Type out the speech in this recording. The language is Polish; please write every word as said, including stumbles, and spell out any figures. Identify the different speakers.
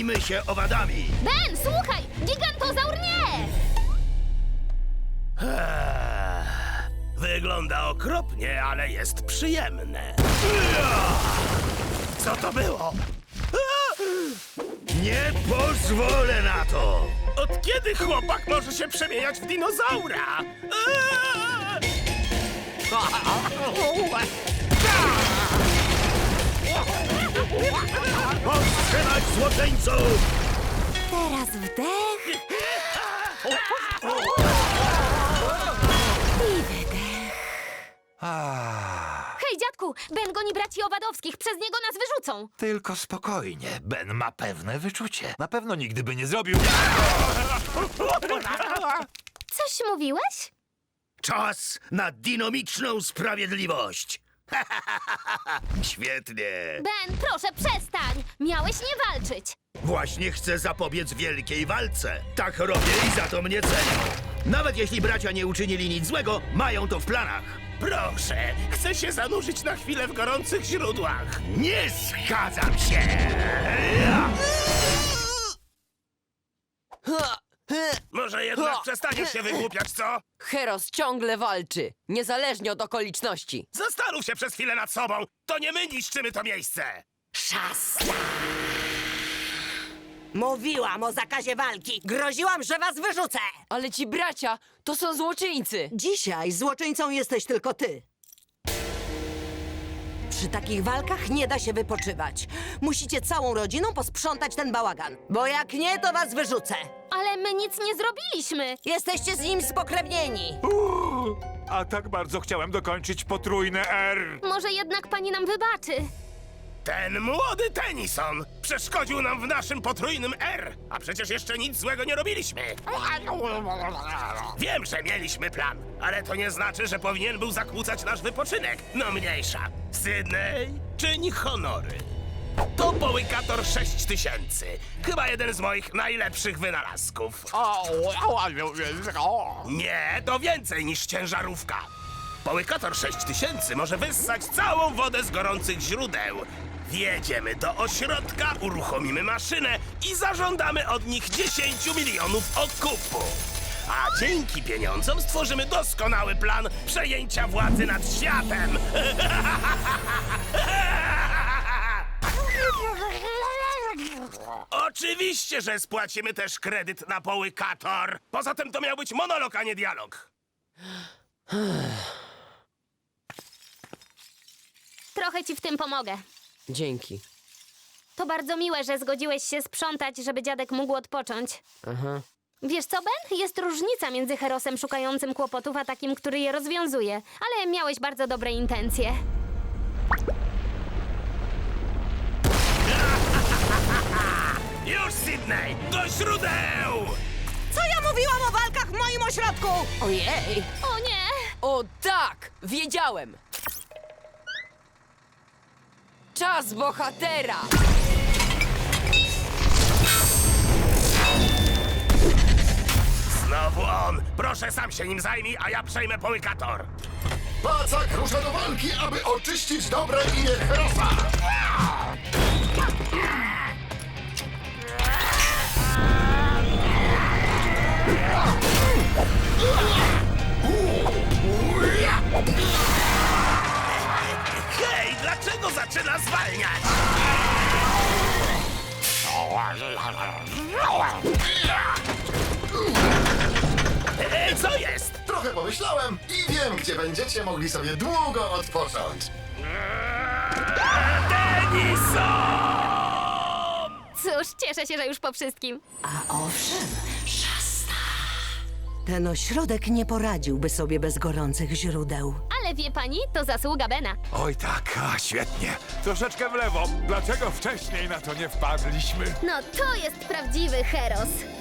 Speaker 1: Zajmijmy się owadami.
Speaker 2: Ben, słuchaj! Gigantozaur nie!
Speaker 1: Eee, Wygląda okropnie, ale jest przyjemne. Co to było? Nie pozwolę na to! Od kiedy chłopak może się przemieniać w dinozaura? Powstrzymać złoczyńców!
Speaker 2: Teraz wdech i wydech.
Speaker 3: Ah,
Speaker 2: Hej, dziadku! Ben goni braci Owadowskich, przez niego nas wyrzucą!
Speaker 3: tylko spokojnie. Ben ma pewne wyczucie. Na pewno nigdy by nie zrobił...
Speaker 2: Coś mówiłeś?
Speaker 1: Czas na dynamiczną sprawiedliwość! Świetnie!
Speaker 2: Ben, proszę, przestań! Miałeś nie walczyć!
Speaker 1: Właśnie chcę zapobiec wielkiej walce. Tak robię i za to mnie cenią. Nawet jeśli bracia nie uczynili nic złego, mają to w planach. Proszę, chcę się zanurzyć na chwilę w gorących źródłach. Nie zgadzam się! Może jednak przestaniesz się wygłupiać, co?
Speaker 4: Heros ciągle walczy, niezależnie od okoliczności.
Speaker 1: Zastanów się przez chwilę nad sobą. To nie my niszczymy to miejsce.
Speaker 5: Szasta! Mówiłam o zakazie walki. Groziłam, że was wyrzucę.
Speaker 4: Ale ci bracia to są złoczyńcy.
Speaker 5: Dzisiaj złoczyńcą jesteś tylko ty. Przy takich walkach nie da się wypoczywać. Musicie całą rodziną posprzątać ten bałagan. Bo jak nie, to was wyrzucę.
Speaker 2: Ale my nic nie zrobiliśmy!
Speaker 5: Jesteście z nim spokrewnieni.
Speaker 3: Uuu, a tak bardzo chciałem dokończyć potrójne R.
Speaker 2: Może jednak pani nam wybaczy.
Speaker 1: Ten młody Tennyson przeszkodził nam w naszym potrójnym R, a przecież jeszcze nic złego nie robiliśmy. Wiem, że mieliśmy plan, ale to nie znaczy, że powinien był zakłócać nasz wypoczynek. No mniejsza. Sydney, czyń honory. To połykator sześć tysięcy. Chyba jeden z moich najlepszych wynalazków. Nie, to więcej niż ciężarówka. Połykator sześć tysięcy może wyssać całą wodę z gorących źródeł. Wjedziemy do ośrodka, uruchomimy maszynę i zażądamy od nich dziesięć milionów okupu. A dzięki pieniądzom stworzymy doskonały plan przejęcia władzy nad światem. Oczywiście, że spłacimy też kredyt na połykator. Poza tym to miał być monolog, a nie dialog.
Speaker 2: Trochę ci w tym pomogę.
Speaker 4: Dzięki.
Speaker 2: To bardzo miłe, że zgodziłeś się sprzątać, żeby dziadek mógł odpocząć.
Speaker 4: Aha.
Speaker 2: Wiesz co, Ben? Jest różnica między Herosem szukającym kłopotów, a takim, który je rozwiązuje. Ale miałeś bardzo dobre intencje.
Speaker 1: Już, Sydney! Do źródeł!
Speaker 5: Co ja mówiłam o walkach w moim ośrodku?
Speaker 4: Ojej!
Speaker 2: O nie!
Speaker 4: O tak! Wiedziałem! Czas bohatera!
Speaker 1: Znowu on! Proszę, sam się nim zajmij, a ja przejmę połykator.
Speaker 6: Pacak rusza do walki, aby oczyścić dobre imię Herosa!
Speaker 1: Hej, dlaczego zaczyna zwalniać? Ej, co jest?
Speaker 6: Trochę pomyślałem i wiem, gdzie będziecie mogli sobie długo odpocząć.
Speaker 1: Tennyson!
Speaker 2: Cóż, cieszę się, że już po wszystkim.
Speaker 5: A owszem, szasta. Ten ośrodek nie poradziłby sobie bez gorących źródeł.
Speaker 2: Ale wie pani, to zasługa Bena.
Speaker 3: Oj tak, a, świetnie. Troszeczkę w lewo. Dlaczego wcześniej na to nie wpadliśmy?
Speaker 2: No to jest prawdziwy Heros.